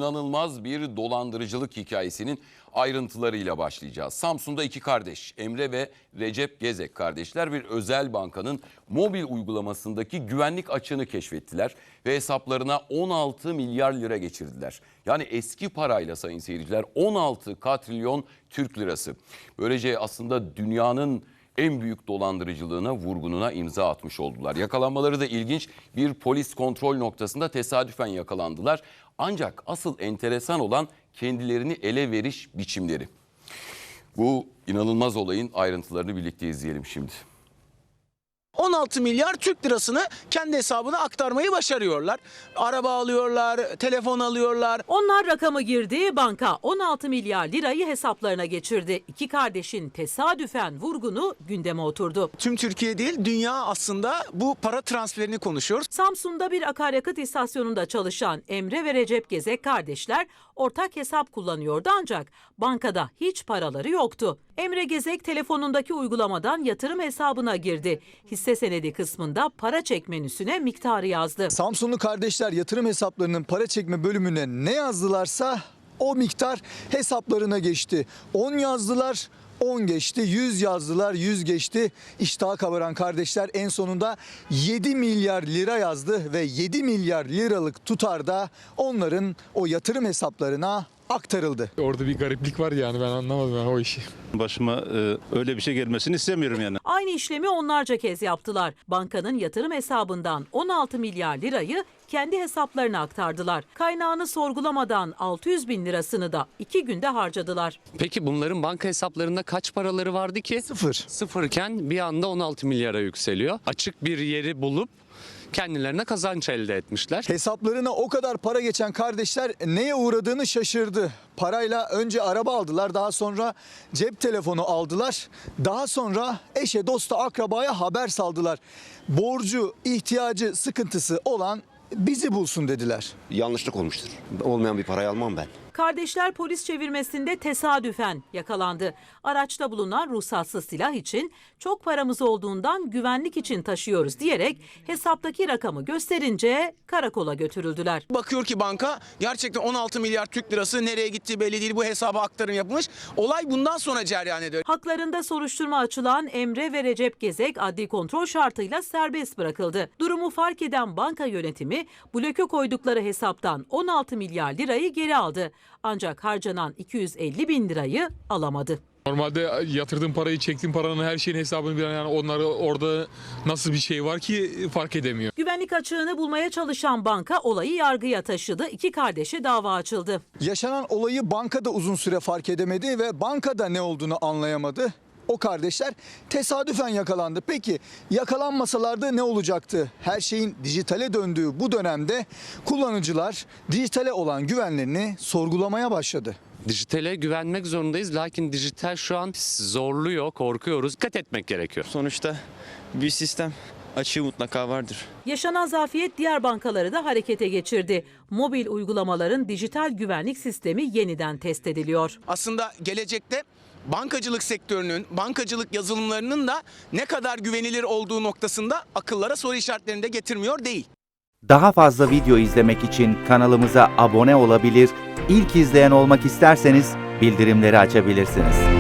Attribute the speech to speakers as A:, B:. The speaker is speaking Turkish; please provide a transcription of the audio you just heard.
A: inanılmaz bir dolandırıcılık hikayesinin ayrıntılarıyla başlayacağız. Samsun'da iki kardeş Emre ve Recep Gezek kardeşler bir özel bankanın mobil uygulamasındaki güvenlik açığını keşfettiler ve hesaplarına 16 milyar lira geçirdiler. Yani eski parayla sayın seyirciler 16 katrilyon Türk lirası. Böylece aslında dünyanın en büyük dolandırıcılığına, vurgununa imza atmış oldular. Yakalanmaları da ilginç. Bir polis kontrol noktasında tesadüfen yakalandılar. Ancak asıl enteresan olan kendilerini ele veriş biçimleri. Bu inanılmaz olayın ayrıntılarını birlikte izleyelim şimdi.
B: 16 milyar Türk lirasını kendi hesabına aktarmayı başarıyorlar. Araba alıyorlar, telefon alıyorlar.
C: Onlar rakamı girdi, banka 16 milyar lirayı hesaplarına geçirdi. İki kardeşin tesadüfen vurgunu gündeme oturdu.
B: Tüm Türkiye değil, dünya aslında bu para transferini konuşuyor.
C: Samsun'da bir akaryakıt istasyonunda çalışan Emre ve Recep Gezek kardeşler ortak hesap kullanıyordu ancak bankada hiç paraları yoktu. Emre Gezek telefonundaki uygulamadan yatırım hesabına girdi. Hisse senedi kısmında para çek menüsüne miktarı yazdı.
D: Samsunlu kardeşler yatırım hesaplarının para çekme bölümüne ne yazdılarsa o miktar hesaplarına geçti. 10 yazdılar, 10 geçti, 100 yazdılar, 100 geçti. İştahı kabaran kardeşler en sonunda 7 milyar lira yazdı ve 7 milyar liralık tutar da onların o yatırım hesaplarına aktarıldı.
E: Orada bir gariplik var yani, ben anlamadım o işi.
F: Başıma öyle bir şey gelmesini istemiyorum yani.
C: Aynı işlemi onlarca kez yaptılar. Bankanın yatırım hesabından 16 milyar lirayı kendi hesaplarına aktardılar. Kaynağını sorgulamadan 600 bin lirasını da 2 günde harcadılar.
G: Peki bunların banka hesaplarında kaç paraları vardı ki?
D: Sıfır.
G: Sıfırken bir anda 16 milyara yükseliyor. Açık bir yeri bulup kendilerine kazanç elde etmişler.
D: Hesaplarına o kadar para geçen kardeşler neye uğradığını şaşırdı. Parayla önce araba aldılar, daha sonra cep telefonu aldılar. Daha sonra eşe, dosta, akrabaya haber saldılar. Borcu, ihtiyacı, sıkıntısı olan bizi bulsun dediler.
H: Yanlışlık olmuştur. Olmayan bir parayı almam ben.
C: Kardeşler polis çevirmesinde tesadüfen yakalandı. Araçta bulunan ruhsatsız silah için çok paramız olduğundan güvenlik için taşıyoruz diyerek hesaptaki rakamı gösterince karakola götürüldüler.
B: Bakıyor ki banka gerçekten 16 milyar Türk lirası nereye gittiği belli değil, bu hesaba aktarım yapılmış. Olay bundan sonra cereyan ediyor.
C: Haklarında soruşturma açılan Emre ve Recep Gezek adli kontrol şartıyla serbest bırakıldı. Durumu fark eden banka yönetimi bloke koydukları hesaptan 16 milyar lirayı geri aldı. Ancak harcanan 250 bin lirayı alamadı.
E: Normalde yatırdığım parayı, çektiğim paranın her şeyin hesabını bilen, yani onları orada nasıl bir şey var ki fark edemiyor.
C: Güvenlik açığını bulmaya çalışan banka olayı yargıya taşıdı. İki kardeşe dava açıldı.
D: Yaşanan olayı bankada uzun süre fark edemedi ve bankada ne olduğunu anlayamadı. O kardeşler tesadüfen yakalandı. Peki yakalanmasalardı ne olacaktı? Her şeyin dijitale döndüğü bu dönemde kullanıcılar dijitale olan güvenlerini sorgulamaya başladı.
G: Dijitale güvenmek zorundayız. Lakin dijital şu an zorluyor, korkuyoruz. Dikkat etmek gerekiyor.
I: Sonuçta bir sistem açığı mutlaka vardır.
C: Yaşanan zafiyet diğer bankaları da harekete geçirdi. Mobil uygulamaların dijital güvenlik sistemi yeniden test ediliyor.
B: Aslında gelecekte bankacılık sektörünün, bankacılık yazılımlarının da ne kadar güvenilir olduğu noktasında akıllara soru işaretlerini de getirmiyor değil.
J: Daha fazla video izlemek için kanalımıza abone olabilir, ilk izleyen olmak isterseniz bildirimleri açabilirsiniz.